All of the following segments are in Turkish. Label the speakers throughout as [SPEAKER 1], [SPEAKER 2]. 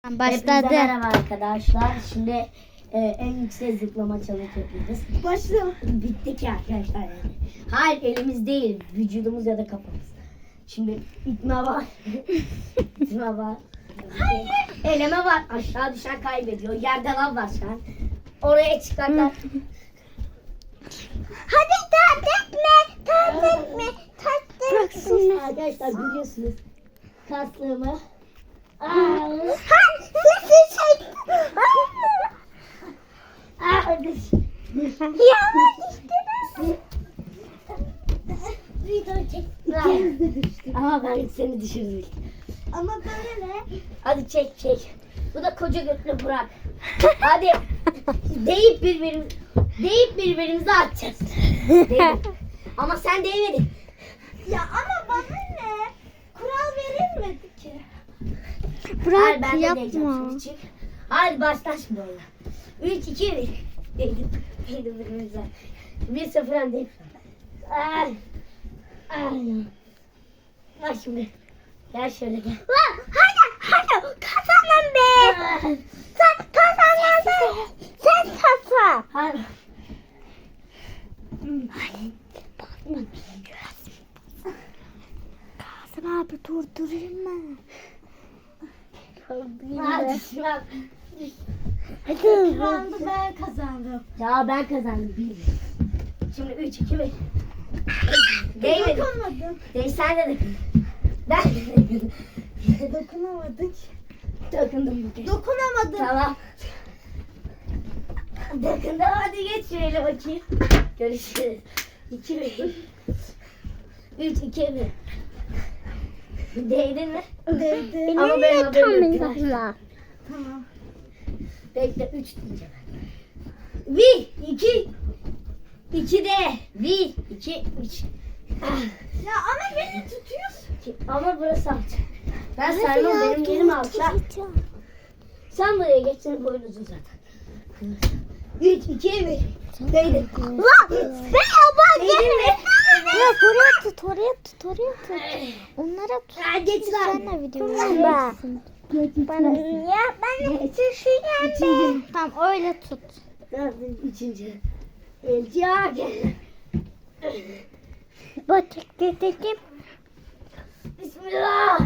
[SPEAKER 1] Başladı.
[SPEAKER 2] Hepinize merhaba arkadaşlar. Şimdi en yüksek zıplama challenge yapacağız.
[SPEAKER 3] Başlayalım.
[SPEAKER 2] Bitti ki arkadaşlar yani. Hayır, elimiz değil, vücudumuz ya da kafamız. Şimdi itme var. İtme var. Hayır. Eleme var. Aşağı düşen kaybediyor. Yerde lav var şu an. Oraya çıkarlar.
[SPEAKER 3] Hadi taht etme. Taht etme. Taht etme.
[SPEAKER 2] Arkadaşlar biliyorsunuz kaslığımı.
[SPEAKER 3] Sesi çek. Yavaş işte. Video çek.
[SPEAKER 2] Ama ben seni düşürdüm.
[SPEAKER 3] Ama böyle.
[SPEAKER 2] Hadi çek. Bu da koca götlü Burak. Hadi deyip birbirimize atacağız. Deyip. Ama sen değmedin.
[SPEAKER 3] Ya ama bana ne? Kural verilmedi ki.
[SPEAKER 2] Hayır, ben de
[SPEAKER 1] Yapma.
[SPEAKER 2] değeceğim şimdi, çık. Hadi başla şimdi oyuna. 3, 2, 1. Değdim birbirimize. 1-0 öndeyim. Ay. Bak şimdi. Gel şöyle gel.
[SPEAKER 3] Hadi kazanın be. Sen kazanın be. Sen kazan.
[SPEAKER 2] Hadi.
[SPEAKER 1] Kasım abi durdurayım mı?
[SPEAKER 2] Hadi şuna.
[SPEAKER 1] Hadi.
[SPEAKER 3] Roundu ben kazandım.
[SPEAKER 2] Ya ben kazandım. Şimdi 3, 2, 1. Değmedi.
[SPEAKER 3] Dokunmadım.
[SPEAKER 2] Sen de dokun. Ben de dokundum.
[SPEAKER 3] Dokunamadık.
[SPEAKER 2] Dokundum bu kez.
[SPEAKER 3] Dokunamadım.
[SPEAKER 2] Tamam. Dokundum, hadi geç şöyle bakayım. Görüşürüz. 2, 1. 3, 2, 1. Değdin mi?
[SPEAKER 3] Değdi.
[SPEAKER 2] Ama benim haberim yok.
[SPEAKER 3] Tamam.
[SPEAKER 2] Bekle, 3 diyeceğim. 1, 2, 2 de. 1, 2, 3.
[SPEAKER 3] Ya ama beni tutuyorsun.
[SPEAKER 2] Ama burası alçak. Ben sarmam, benim yerim alçak. Sen buraya geç, senin boyun uzun zaten. 3, 2, 1. Değdi.
[SPEAKER 3] Lan ben
[SPEAKER 2] Değdin mi?
[SPEAKER 1] Ya oraya tut. Onlara tut.
[SPEAKER 2] Ha, geç lan.
[SPEAKER 1] Sen de videoyu
[SPEAKER 3] Ben.
[SPEAKER 1] izliyorsun.
[SPEAKER 3] Ya ben de düşeceğim.
[SPEAKER 1] Tamam öyle tut.
[SPEAKER 2] Üçüncü. Ya gel.
[SPEAKER 1] Bak dedim.
[SPEAKER 2] Bismillah.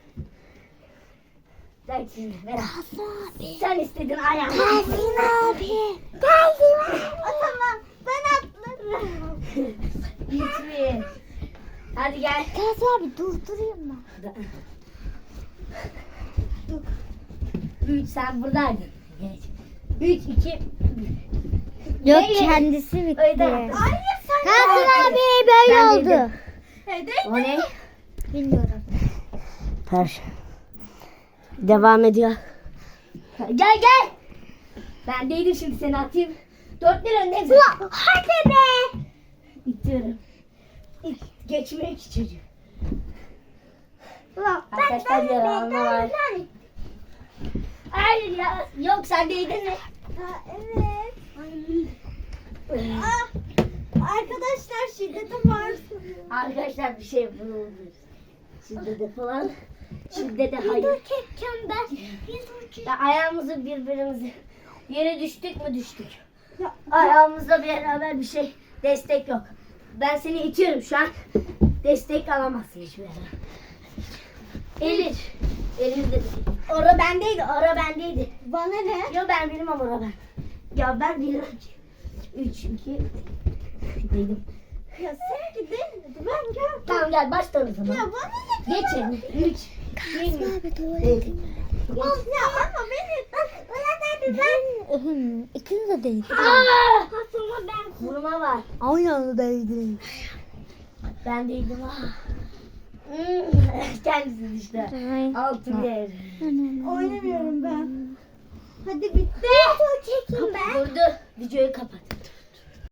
[SPEAKER 2] Sen şimdi ver.
[SPEAKER 1] Kasım abi.
[SPEAKER 2] Sen istedin ayağını.
[SPEAKER 1] Kasım abi.
[SPEAKER 3] O zaman ben atlarım.
[SPEAKER 2] Gitme. Hadi gel.
[SPEAKER 1] Kasım abi durdurayım mı?
[SPEAKER 2] 3, sen buradaydın. Geç. 3, 2,
[SPEAKER 1] Yok
[SPEAKER 2] Neyle?
[SPEAKER 1] kendisi bitti.
[SPEAKER 2] Öyle.
[SPEAKER 3] Hayır sen.
[SPEAKER 1] Kasım abi böyle
[SPEAKER 2] Ben
[SPEAKER 1] oldu.
[SPEAKER 2] bildim.
[SPEAKER 3] Hadi.
[SPEAKER 2] O ne?
[SPEAKER 1] Bilmiyorum.
[SPEAKER 2] Ters. Devam ediyor. Gel. Ben değilim, şimdi seni atayım. 4-1 öndeyim.
[SPEAKER 3] Hadi be.
[SPEAKER 2] İtiyorum. Geçmiyor ki çocuk.
[SPEAKER 3] Ulan
[SPEAKER 2] Arkadaşlar yalanma var. Hayır ya. Yok, sen değdin mi?
[SPEAKER 3] Ha, evet. Ah, arkadaşlar şiddete var.
[SPEAKER 2] Arkadaşlar bir şey bulundu. Şiddete falan. Şiddete hayır.
[SPEAKER 3] Çekeceğim ben.
[SPEAKER 2] Ya ayağımızı birbirimize. Yere düştük mü düştük.
[SPEAKER 3] Ya,
[SPEAKER 2] Ayağımızla beraber bir şey. Destek yok. Ben seni itiyorum şu an. Destek alamazsın hiçbir yere. Elimizde. Ora bendeydi.
[SPEAKER 3] bana ne?
[SPEAKER 2] Yo, ben bilmem ora ben. Ya ben bilmem ki. 3, 2, dedim.
[SPEAKER 3] Ya seninki değil. Ben gör.
[SPEAKER 2] Tamam gel, başla o zaman.
[SPEAKER 3] Ya bana ne?
[SPEAKER 2] Geç yerine. 3,
[SPEAKER 1] Kasım abi
[SPEAKER 2] Geç.
[SPEAKER 1] tuvaletim.
[SPEAKER 3] Of ya ama beni. Bana dedi ben.
[SPEAKER 1] İkiniz de değil.
[SPEAKER 3] Aslında ben.
[SPEAKER 2] Vurma var.
[SPEAKER 1] Aynı anda değdi.
[SPEAKER 2] Ben değildim ha. Kendisi işte. Altın yer.
[SPEAKER 3] Oynamıyorum ben. Hadi bitti. Çekeyim ben.
[SPEAKER 2] Vurdu. Videoyu kapat.